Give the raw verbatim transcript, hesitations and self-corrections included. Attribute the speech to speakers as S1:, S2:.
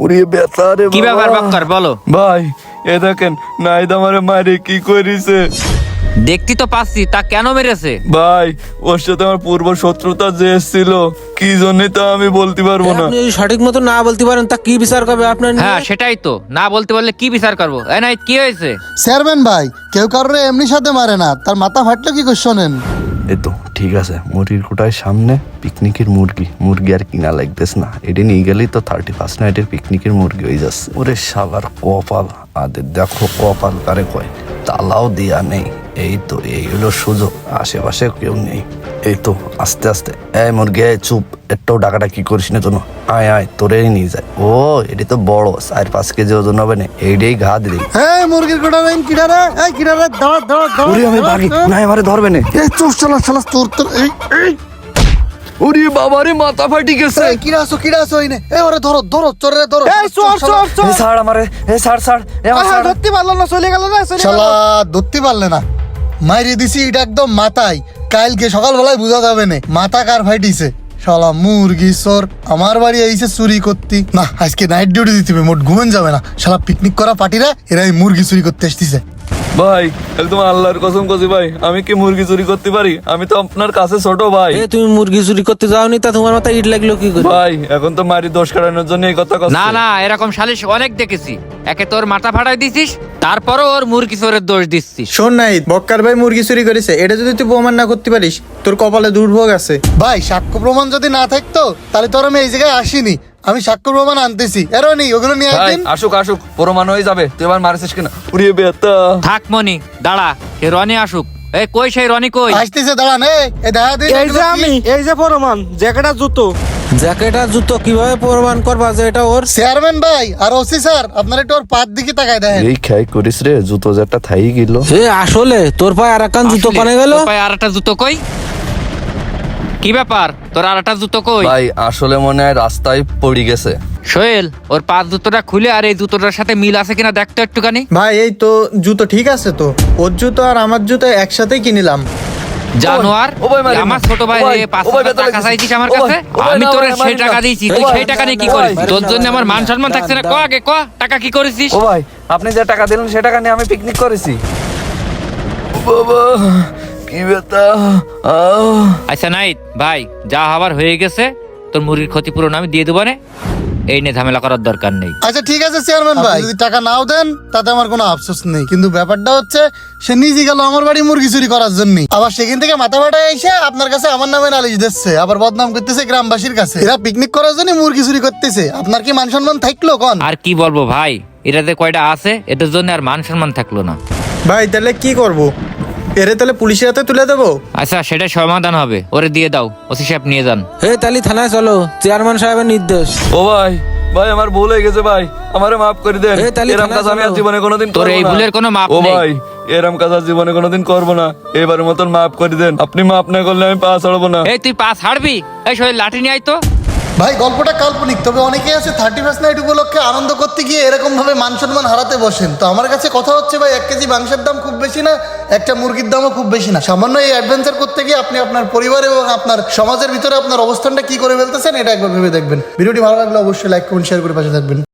S1: উড়িয়ে ব্যথা রে
S2: কি
S1: বাবা।
S2: ব্যাপার বাক্কার বলো।
S1: ভাই এ দেখেন নাইদ আমারে মারে কি করেছে।
S2: দেখতে তো পাচ্ছি, তা কেন মেরেছে?
S1: ভাই ওর সাথে আমার পূর্ব শত্রুতা যে ছিল, কি জন্য তা আমি বলতে পারবো না।
S3: আপনি যদি সঠিক মতো না বলতে পারেন তা কি বিচার করবে আপনার নিয়ে?
S2: হ্যাঁ সেটাই তো, না বলতে পারলে কি বিচার করবো? এই নাই কি হয়েছে?
S4: চেয়ারম্যান ভাই, কেউ কারোর এমনি সাথে মারে না, তার মাথা ফাটলো কি করে শোনেন?
S1: এই তো ঠিক আছে, মুরগির কোটায় সামনে পিকনিকের মুরগি মুরগি আর কিনা লাগতেস না, এটি নিয়ে গেলেই তো থার্টি ফার্স্ট নাইটের পিকনিকের মুরগি হয়ে যাচ্ছে। ওরে শালার কপাল, আদের দেখো কপাল কারে কয়, তালাও দেয়া নেই। এই তো এই হলো সুযোগ, আশেপাশে কেউ নেই। এই তো আস্তে আস্তে, এই মুরগি এই চুপ, একটাও ডাকাটা কি করিস না তো, আয় আয় তোরেই নিয়ে যায়। ও এটি তো বড়, চার পাঁচ কেজি ওজন হবে না, এইটাই ঘা দিলি।
S4: এই মুরগির গোটা লাইন কিনারে, এই কিনারে দাঁড়া দাঁড়া দাঁড়া।
S1: ওরে আমি ভাগি, না আমারে ধরবে না।
S4: এই চোর চালা চালা তোর তোর এই এই
S1: ওরে বাবারে মাথা ফাটি গেছে।
S4: এই কিরা আসো কিরা আসো ইনে, এই ওরে ধরো ধরো চোরে ধরো।
S3: এই চোর চোর চোর
S1: এই ছাড় আমারে, এই ছাড় ছাড়, এই আমার ছাড়।
S3: ধরতে পারলো না, চলে গেল না, চলে গেল।
S4: শালা ধরতে পারলে না, মাইরে দিছি এটা একদম মাথায়। কালকে সকালবেলায় বুঝা যাবে না মাথা কার ফাইটিছে। শালা মুরগি চোর আমার বাড়ি আইছে চুরি করতি। না আজকে নাইট ডিউটি দিতে হবে, মোট ঘুমেন যাবে না। শালা পিকনিক করা পার্টিরা এরাই মুরগি চুরি করতে আসতেছে।
S1: ভাই একদম আল্লাহর কসম কছি ভাই, আমি কি মুরগি চুরি করতে পারি? আমি তো আপনার কাছে ছোট ভাই।
S3: এ তুমি মুরগি চুরি করতে যাওনি, তা তোমার মাথায় ইট লাগলো কি করে?
S1: ভাই এখন তো মারি দোষ কাটানোর জন্য এই কথা কথা।
S2: না না, এরকম সালিশ অনেক দেখেছি। একে তোর মাথা ফাটাই দিছিস, তারপরও ওর মুরগি চোরের দোষ দিচ্ছিস।
S5: শোন নাই, বক্কার ভাই মুরগি চুরি করেছে, এটা যদি তুই প্রমাণ না করতে পারিস তোর কপালে দুর্ভোগ আছে।
S4: ভাই সাক্ষ্য প্রমাণ যদি না থাকতো তাহলে তোর আমি এই জায়গায় আসিনি। আমি সাক্ষ্য প্রমাণ আনতেছি, এরও নেই ওগুলো নিয়ে
S1: ভাই
S4: একদিন।
S1: আসুক আসুক, প্রমাণ হয়ে যাবে। তুই এবার মারিস কিনা? উড়িয়ে বেতা।
S2: থাক মনি, দাঁড়া, সে রনি আসুক। এই কই সেই রনি কই?
S4: আসতেছে দাঁড়ান, এই দেখা দিন
S6: এই যে আমি, এই যে প্রমাণ, জ্যাকেটার জুতো।
S3: জ্যাকেট আর জুতো কিভাবে প্রমাণ করবা যে এটা ওর?
S4: চেয়ারম্যান ভাই আর ওসি স্যার, আপনারা একটু ওর পাত দিকে তাকায় দেখেন।
S1: এই খেয়াই করিস রে, জুতো যেটা থাই গেল।
S3: এ আসলে তোর পায়ে আর একখান জুতো কানে গেল।
S2: তোর পায়ে আর একটা জুতো কই? কি ব্যাপার, তোর আর একটা জুতো কই?
S1: ভাই আসলে মনে হয় রাস্তায় পড়ে গেছে।
S2: সোহেল, ওর পাঁচ জুতোটা খুলে আর এই জুতোটার সাথে মিল আছে কিনা দেখতো একটুখানি।
S5: ভাই এই তো জুতো ঠিক আছে তো, ওর জুতো আর আমার জুতো একসাথেই কিনিলাম।
S2: জানোয়ার,
S1: ও ভাই, মারি না।
S2: আমার ছোট ভাই
S1: ও ভাই,
S2: রে পাঁচ
S1: ও ভাই,
S2: হাজার
S1: বেতন
S2: টাকা
S1: লাগছে।
S2: চাইছিস আমার
S1: ও ভাই,
S2: কাছে,
S1: ও ভাই,
S2: আমি
S1: না,
S2: তোর
S1: ভাই,
S2: সেই
S1: মারি
S2: টাকা
S1: না।
S2: দিয়েছি,
S1: ও
S2: তুই
S1: ভাই,
S2: সেই টাকা নিয়ে কি
S1: ও
S2: করিস?
S1: ভাই,
S2: তোর জন্য আমার মান সম্মান থাকছে না। ক আগে ক, টাকা কি করেছিস?
S1: ও ভাই আপনি যে টাকা দিলেন সে টাকা নিয়ে আমি পিকনিক করেছি। বাবা কি বেতা।
S2: আচ্ছা নাই ভাই, যা হবার হয়ে গেছে, তোর মুরগির ক্ষতিপূরণ আমি দিয়ে দেবো না, এই নিয়ে ঝামেলা করার দরকার নেই।
S4: আচ্ছা ঠিক আছে চেয়ারম্যান ভাই, যদি টাকা নাও দেন তাতে আমার কোনো আফসোস নেই, কিন্তু ব্যাপারটা হচ্ছে সে নিজে গেল আমার বাড়ি মুরগি চুরি করার জন্য, আবার সেখান থেকে মাথা ফাটা এসে আপনার কাছে আমার নামে নালিশ দিচ্ছে, আবার বদনাম করতেছে গ্রামবাসীর কাছে। এরা পিকনিক করার জন্য মুরগি চুরি করতেছে, আপনার কি মান সম্মান থাকলো কোন?
S2: আর কি বলবো ভাই, এটাতে কয়টা আছে, এটার জন্য আর মান সম্মান থাকলো না।
S5: ভাই তাহলে কি করব? এরে তাহলে পুলিশের হাতে তুলে দেবো?
S2: আচ্ছা সেটা সমাধান হবে, ওরে দিয়ে দাও, ওসি সাহেব নিয়ে যান।
S3: হে তালি থানায় চলো, চেয়ারম্যান সাহেবের নির্দেশ।
S1: ও ভাই ভাই আমার ভুল হয়ে গেছে ভাই, আমারে মাফ করে দেন।
S3: এই তালি
S1: এরম
S3: থানায়
S1: কাজ আমি আর
S3: চলো।
S1: জীবনে কোনোদিন
S2: তোর
S1: করবো
S2: এই
S1: না।
S2: ভুলের কোনো মাপ
S1: ও
S2: নেই।
S1: ভাই এরম কাজ আর জীবনে কোনোদিন করবো না, এবারের মতন মাফ করে দেন। আপনি মাফ না করলে আমি পা ছাড়বো না।
S2: এই তুই পা ছাড়বি? এই সোহেল লাঠি নিয়ে আয় তো।
S4: ভাই গল্পটা কাল্পনিক, তবে অনেকেই আছে থার্টি ফার্স্ট নাইট উপলক্ষে আনন্দ করতে গিয়ে এরকম ভাবে মান সম্মান হারাতে বসেন। তো আমার কাছে কথা হচ্ছে ভাই, এক কেজি মাংসের দাম খুব বেশি না, একটা মুরগির দামও খুব বেশি না। সামান্য এই অ্যাডভেঞ্চার করতে গিয়ে আপনি আপনার পরিবার এবং আপনার সমাজের ভিতরে আপনার অবস্থানটা কি করে ফেলতেছেন এটা একবার ভেবে দেখবেন। ভিডিওটি ভালো লাগলে অবশ্যই লাইক কমেন্ট শেয়ার করে পাশে থাকবেন।